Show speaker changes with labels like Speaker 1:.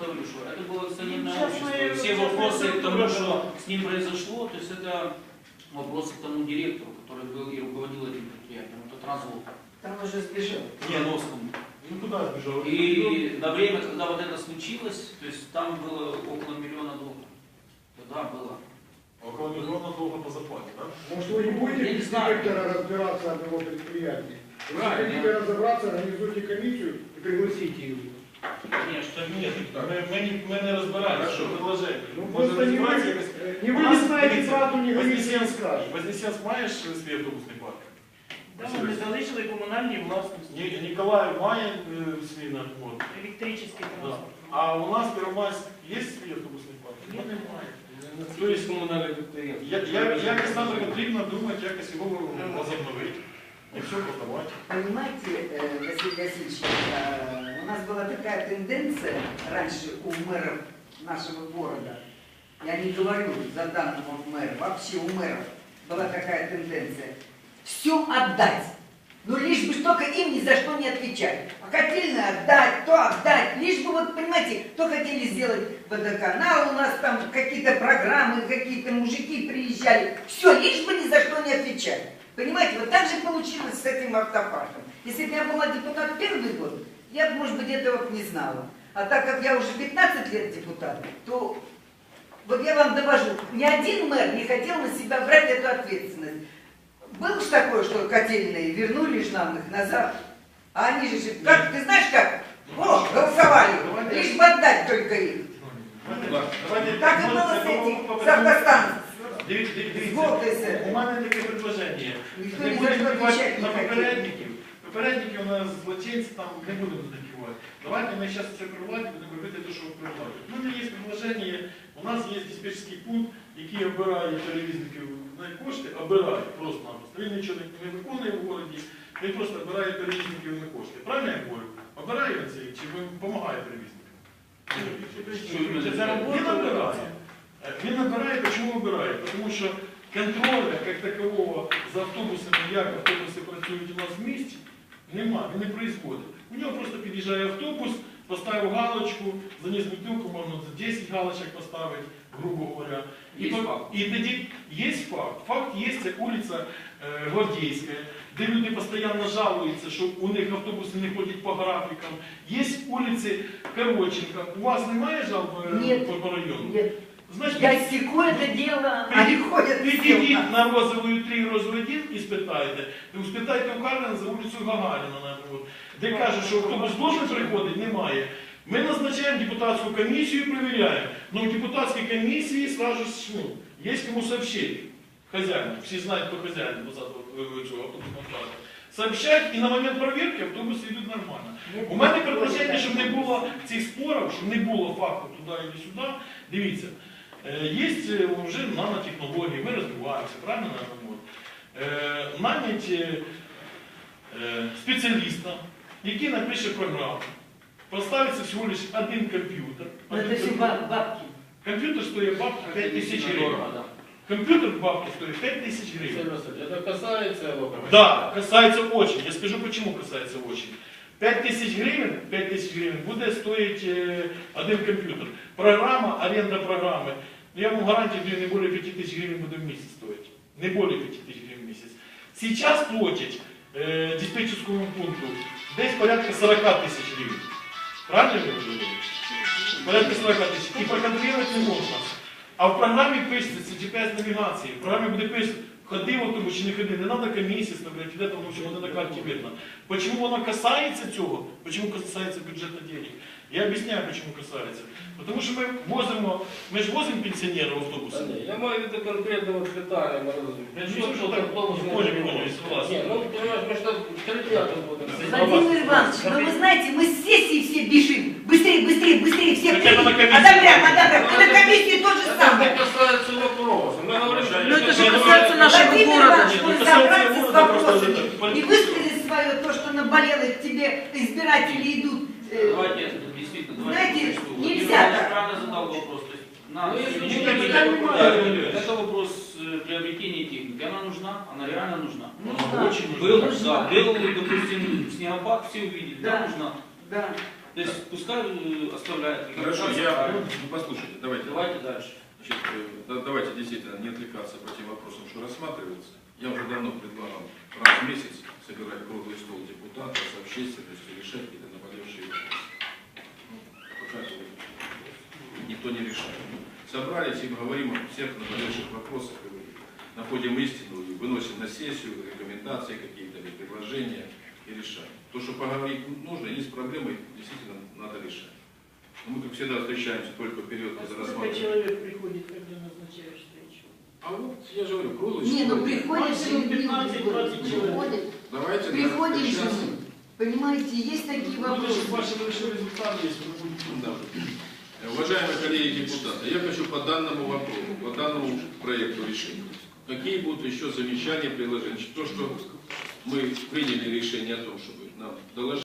Speaker 1: говорю, что это было акционерное общество. Все вопросы к тому, что с ним произошло, то есть это вопросы к тому директору, который был и руководил этим предприятием. Это Трансвол.
Speaker 2: Там уже сбежал.
Speaker 1: Яновскому.
Speaker 3: Ну куда сбежал?
Speaker 1: И на время, когда вот это случилось, то есть там было около $1 миллиона. Тогда было.
Speaker 3: Около $1 миллиона долга по зарплате, да?
Speaker 4: Может, вы не будете
Speaker 1: Я не
Speaker 4: без
Speaker 1: знаю.
Speaker 4: директора разбираться одного предприятия? Если
Speaker 1: Правильно.
Speaker 4: хотите разобраться, организуйте комиссию и пригласите ее.
Speaker 1: Конечно.
Speaker 3: Нет, мы не разбираемся.
Speaker 1: Хорошо.
Speaker 3: Предложение.
Speaker 4: Ну,
Speaker 3: Може
Speaker 4: просто не вы,
Speaker 3: розібратися якось?
Speaker 4: не
Speaker 3: У
Speaker 4: вы
Speaker 3: нас,
Speaker 4: не знаете
Speaker 3: дивіться,
Speaker 4: правду, не говорите, не
Speaker 3: Вознесенськ
Speaker 4: скажете.
Speaker 3: Вознесенськ маєш свій автобусний парк?
Speaker 5: Да, вони залишили комунальні власності.
Speaker 3: Ніколаїв має свій на море.
Speaker 5: Електричний
Speaker 3: Да.
Speaker 5: транспорт.
Speaker 3: А у нас Первомайськ є свій автобусний парк?
Speaker 5: Ні.
Speaker 3: Немає.
Speaker 6: Тобто комунальне підприємство.
Speaker 3: Якось нам потрібно думати, якось його возобновити. І все продавати.
Speaker 2: Понимаете, Василий Васильевич, у нас была такая тенденция раньше у мэров нашего города, я не говорю за данного мэра, вообще у мэров была такая тенденция, все отдать, но лишь бы только им ни за что не отвечать. А хотели отдать, то отдать, лишь бы, вот понимаете, то хотели сделать водоканал, у нас там какие-то программы, какие-то мужики приезжали, все, лишь бы ни за что не отвечать. Понимаете, вот так же получилось с этим автопарком. Если бы я была депутат первый год, я бы, может быть, этого не знала. А так как я уже 15 лет депутат, то вот я вам довожу, ни один мэр не хотел на себя брать эту ответственность. Было же такое, что котельные вернули ж нам их назад, а они же, как, ты знаешь как? О, голосовали, лишь бы отдать только их. Так и было с этим, с автостанцией.
Speaker 3: Дивіться, у мене таке предложення.
Speaker 2: Ніхто
Speaker 3: Не
Speaker 2: ні за
Speaker 3: будемо
Speaker 2: що
Speaker 3: впливати
Speaker 2: відповідати
Speaker 3: на
Speaker 2: не хотів.
Speaker 3: попередників. Попередники у нас злочинці, там не будемо задавати. Давайте ми зараз це прибувати, будемо робити те, що ви предлагаєте. У мене є предложення, у нас є диспетчерський пункт, який обирає перевізників на кошти, обирає просто-напросто. Він нічого не виконує в городі, він просто обирає перевізників на кошти. Правильно я говорю? Обирає він це, чи допомагає перевізникам? Він обирає. Він набирає, чому обирає? Тому що контролю, як такового, за автобусами, як автобуси працюють у нас в місті, немає, він не происходить. У нього просто під'їжджає автобус, поставив галочку, заніс бутилку, можна за 10 галочок поставити, грубо говоря. І тоді є факт. Факт є, це вулиця Гвардійська, де люди постійно жалуються, що у них автобуси не ходять по графікам. Є вулиці Короченка. У вас немає жалоб по району?
Speaker 2: Нет.
Speaker 3: Значит,
Speaker 2: Я секу это дело, они ходят
Speaker 3: підійдіть на Розовую 3, Розовую 1 і спитайте. Спитайте у Карлина за вулицю Гагаріна, наприклад, де кажуть, що автобус должен приходити, немає. Ми назначаємо депутатську комісію і перевіряємо. Но в депутатській комісії сразу є кому сообщити. Хазяїну, всі знають, хто хазяїн цього автобусного парку. Сообщають, і на момент перевірки автобуси йдуть нормально. У мене предложення, щоб не було цих спорів, щоб не було факту туди і сюди. Дивіться. Є вже нанотехнології, ми розвиваємося, правильно нанять спеціаліста, який напише програму. Поставиться всього лише один комп'ютер.
Speaker 2: Это все бабки.
Speaker 3: Комп'ютер стоїть бабки 5 тисяч гривень. Компьютер бабки стоит 5000 гривен.
Speaker 6: Это касается его?
Speaker 3: Да, касается очень. Я скажу, почему касается очень. 5000 гривен будет стоить один компьютер. Программа, аренда программы. Я вам гарантирую, не более 5000 гривен будет в месяц стоить. Не более 5000 гривен в месяц. Сейчас платить диспетчерскому пункту здесь порядка 40 тысяч гривен. Правильно я говорю? Порядка 40 тысяч. И проконтролировать не можно. А в програмі пишеться GPS навігації. В програмі буде писати, ходи в автобус чи не ходи. Не треба комісії ставляти, де там воно на карті видно. Почему воно касається цього? Почему касається бюджету денег? Я объясняю, почему касается. Потому что мы же возим пенсионеров в автобусы.
Speaker 6: Я маю в виду конкретного питання,
Speaker 3: Понял, я согласен.
Speaker 6: Нет, ну, понимаешь, мы что, 3 дня тут будем.
Speaker 2: Владимир Иванович, ну вы знаете, мы с сессии все бежим. Быстрее, быстрее, быстрее, все
Speaker 3: Хотя бы на комиссию.
Speaker 2: одобряем. На комиссии то же
Speaker 6: Это
Speaker 2: самое.
Speaker 6: не касается вопроса. Мы говорим, что
Speaker 5: Ну это же касается нашего
Speaker 2: Владимир
Speaker 5: города.
Speaker 2: Иванович, вы собраться с вопросами и высказать свое, то, что наболело к тебе, избиратели идут.
Speaker 1: Давайте, действительно,
Speaker 2: Знаете,
Speaker 1: что
Speaker 2: нельзя
Speaker 1: я
Speaker 2: так.
Speaker 1: правильно задал вопрос. То есть, на
Speaker 6: Ну, если
Speaker 1: сегодняшний
Speaker 3: я
Speaker 1: день
Speaker 3: понимаю,
Speaker 1: это вопрос приобретения техники. Она нужна, она реально нужна.
Speaker 2: Нужна.
Speaker 1: Очень
Speaker 2: Нужна.
Speaker 1: был, да, был, допустим, снегопад, все увидели, да,
Speaker 2: Да.
Speaker 1: нужна.
Speaker 2: Да.
Speaker 1: То есть пускай оставляет.
Speaker 7: Хорошо, ну, послушайте, давайте.
Speaker 1: Давайте дальше.
Speaker 7: Значит, давайте действительно не отвлекаться по тем вопросам, что рассматриваются. Я уже давно предлагал раз в месяц собирать круглый стол депутатов с общественностью, решать какие-то наболевшие вопросы. Ну, пока никто не решает. Собрались и говорим о всех наболевших вопросах, и находим истину, и выносим на сессию рекомендации какие-то, или предложения и решаем. То, что поговорить нужно, есть проблемы, действительно надо решать. Но мы, как всегда, встречаемся только в период, когда
Speaker 5: Сколько
Speaker 7: рассматриваем.
Speaker 5: человек приходит, когда назначаешь встречу?
Speaker 7: А вот, я же говорю, круглый
Speaker 2: Не, ну
Speaker 7: стол.
Speaker 2: приходишь
Speaker 5: Максимум
Speaker 2: и
Speaker 5: 15-20 человек.
Speaker 2: приходит.
Speaker 7: Давайте
Speaker 2: Приходим
Speaker 7: сейчас.
Speaker 2: же мы. Понимаете, есть такие
Speaker 3: Ну,
Speaker 2: вопросы.
Speaker 3: ваши большие результаты есть.
Speaker 7: Да. Уважаемые коллеги депутаты, я хочу по данному вопросу, по данному проекту решения. Какие будут еще замечания, предложения? То, что мы приняли решение о том, чтобы нам доложить.